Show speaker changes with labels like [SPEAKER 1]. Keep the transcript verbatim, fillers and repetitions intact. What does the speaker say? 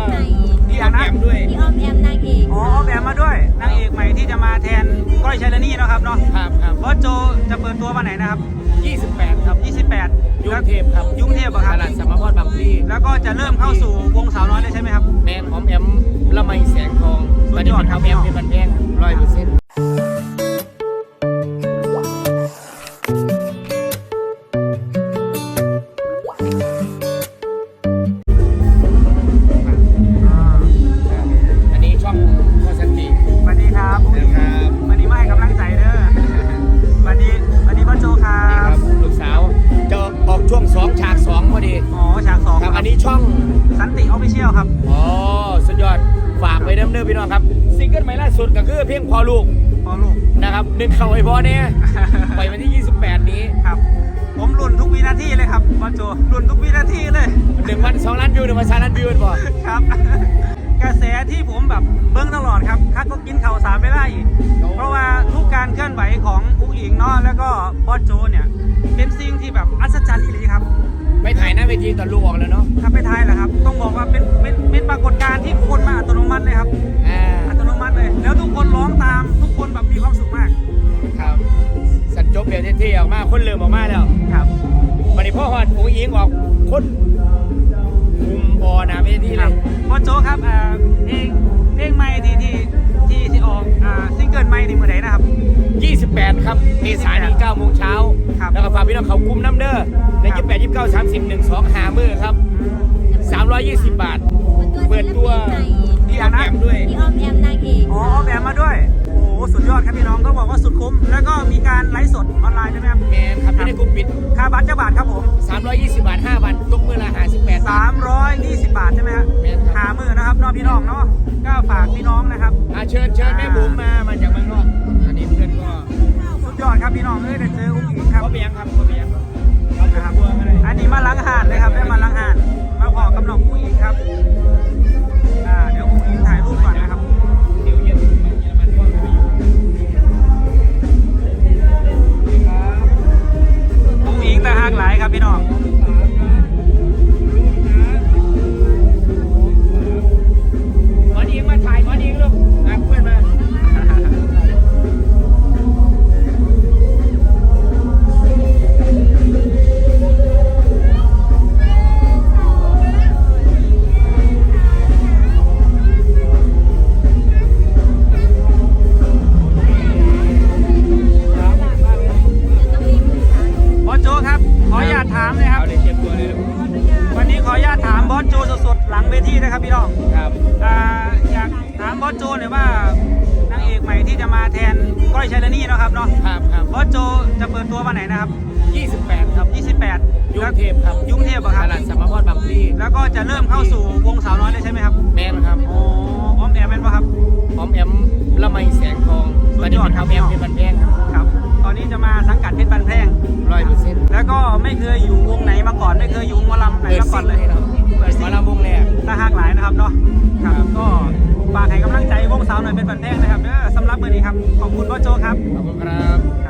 [SPEAKER 1] พี่ออมแอมด้วย
[SPEAKER 2] พี่ออมแอมนางเอก
[SPEAKER 3] อ๋อออมแอมมาด้วยนางเอกใหม่ที่จะมาแทนก้อยชัยรณีเนาะครับเนาะ
[SPEAKER 1] ครับครับ
[SPEAKER 3] บอสโจจะเปิดตัววันไหนนะครับ
[SPEAKER 1] ยี่สิบแปดครับ
[SPEAKER 3] ยี่สิบแปด
[SPEAKER 1] ยุงเทพครับ
[SPEAKER 3] ยุงเทพอะครับ
[SPEAKER 1] ตลาดสมพรบางพลี
[SPEAKER 3] แล้วก็จะเริ่มเข้าสู่วงสาวน้อยเลยใช่ไหมครับ
[SPEAKER 1] แมนออมแอมละไมแสงทองตอนนี้เป็นออมแอมเป็นบันแพงร้อยเปอร์เซ็นต์อันนี้ช่องโคสันติ
[SPEAKER 3] สวัสดีครับ
[SPEAKER 1] ครับ
[SPEAKER 3] วันนี้มาให้กำลังใจเด้อวันนี้วันนี้บอสโจครับ
[SPEAKER 1] ลูกสาวจะออกช่วงสองฉากสองพอดี
[SPEAKER 3] อ๋อฉากสอง
[SPEAKER 1] ครับอันนี้ช่อง
[SPEAKER 3] สันติออฟฟิเชียลครับ
[SPEAKER 1] อ๋อสุดยอดฝากไปเดิมเดิมพี่น้องครับซิงเกิลใหม่ล่าสุดก็คือเพลงพอลูก
[SPEAKER 3] พอลูก
[SPEAKER 1] นะครับดึงเข่าไอ้พ่อเนี่ยไปวันที่ยี่สิบแปดนี้
[SPEAKER 3] ครับผมลุ้นทุกวินาทีเลยครับบอสโจลุ้นทุกวินาทีเลย
[SPEAKER 1] หนึ่งวันสองล้านวิวหนึ่งวันสามล้านวิวเป็นบ่
[SPEAKER 3] ครับกระแสที่ผมแบบเบิ้งตลอดครับคักก็กินเข่าสามไม่ได้อีกเพราะว่าทุกการเคลื่อนไหวของอุ้งอิงเนาะแล้วก็บอสโจเนี่ยเป็นสิ่งที่แบบอัศจรรย์อีหลีครับ
[SPEAKER 1] ไปถ่ายหน้าเวทีตอนลูกออกแล้วเนาะ
[SPEAKER 3] ครับไปถ่ายแหละครับต้องบอกว่าเป็นเป็นเป็นปรากฏการณ์ที่คนมาอัตโนมัติเลยครับอัตโนมัติเลยแล้วทุกคนร้องตามทุกคนแบบมีความสุขมาก
[SPEAKER 1] ครับสัญจบเบียร์เท่ๆออกมาคนเริ่มออกมาแล้ว
[SPEAKER 3] ครับ
[SPEAKER 1] วันนี้พ่อฮอดอุ้งอิงออกคนคุมบอหน้าเวทีเลย
[SPEAKER 3] บอสโจครับอ่าเพลงเพลงใหม่ที่ที่ที่ที่ออกอ่าซิงเกิลใหม่ในเมื่อไหร่นะครับ
[SPEAKER 1] ยี่สิบแปดครับเมษายนนี้เก้าโมงเช้าแล้วก็ฝากพี่น้องเขากุมน้ำเด้อในยี่สิบแปด ยี่สิบเก้า สามสิบ หนึ่ง สองหามือครับสามร้อยยี่สิบบาทเปิดตัวพี่ออมแอมด้วย
[SPEAKER 2] พี่ออมแอมนางเอก
[SPEAKER 3] อ๋อออมแอมมาด้วยโอ้สุดยอดครับพี่น้องก็บอกว่าสุดคุ้มแล้วก็มีการไลฟ์สดออนไลน์ใช่ไหมครับ
[SPEAKER 1] แมนครับไม่ได้กลุ่มปิด
[SPEAKER 3] ค่าบัตรจะบาทครับผม
[SPEAKER 1] สามร้อยยี่สิบบาทห้าวันตกมือละห้าสิบแปด
[SPEAKER 3] สามร้อยยี่สิบบาทใช่ไหมครับหามือนะครับน้องพี่น้องเนาะก็ฝากพี่น้องนะครับ
[SPEAKER 1] เชิญเชิญแม่บุ๋มมามาจากเมืองนอกอันนี้เพื่อนก็
[SPEAKER 3] สุดยอดครับพี่น้องเอ้ยได้เจออุ้งอิงครับ
[SPEAKER 1] พ่อเบียงครับพ่อเบียง
[SPEAKER 3] นะครับอันนี้มาล้างหานเลยครับได้มาล้างหานมาขอกำหนดอุ้งอิงครับอ่าเดี๋ยวอุ้งอิงถ่ายรูปก่อนนะครับ
[SPEAKER 1] เดี๋ยวเย็นเยอรมันก็ไปอยู่
[SPEAKER 3] อุ้งอิงตาหักหลายครับพี่น้อง
[SPEAKER 1] หมอนอิงมาถ่ายหมอนอิงลูกนะเพื่อนมา
[SPEAKER 3] วันนี้ขออนุญาตถามบอสโจสดๆหลังเวทีนะครับพี่น้อง
[SPEAKER 1] ครับ
[SPEAKER 3] อ่าอยากถามบอสโจหน่อยว่านางเอกใหม่ที่จะมาแทนก้อยชัยรณีเนาะครับเนาะ
[SPEAKER 1] ครับครับ
[SPEAKER 3] บอสโจจะเปิดตัววันไหนนะครับ
[SPEAKER 1] ยี่สิบแปดครับ
[SPEAKER 3] ยี่สิบแปด
[SPEAKER 1] ยุงเทพครับ
[SPEAKER 3] ยุงเทพอะครับ
[SPEAKER 1] ตลาดสมพรบางพลี
[SPEAKER 3] แล้วก็จะเริ่มเข้าสู่วงสาวน้อยเลยใช่ไหมครับ
[SPEAKER 1] แมนครับ
[SPEAKER 3] อ๋อออมแอมแมนป่ะครับ
[SPEAKER 1] ออมแอมละไมแสงทองตอนนี้เป็นออมแอมเป็นบันแพง
[SPEAKER 3] ครับตอนนี้จะมาสังกัดเพชรบันแพง
[SPEAKER 1] ร้อยเปอร์เซ็นต์
[SPEAKER 3] แล้วก็ไม่เคยอยู่วงไหนมาก่อนไม่เคยอยู่วงหมอลำไหนมาก่อนเลย
[SPEAKER 1] เปิดหมอลำวงแรก
[SPEAKER 3] ตาหักหลายนะครับเนาะครับก็ฝากให้กำลังใจวงสาวหน่อยเป็นบันแพงนะครับเด้อสำหรับมื้อนี้ครับขอบคุณบอสโจครับ
[SPEAKER 1] ขอบคุณครับ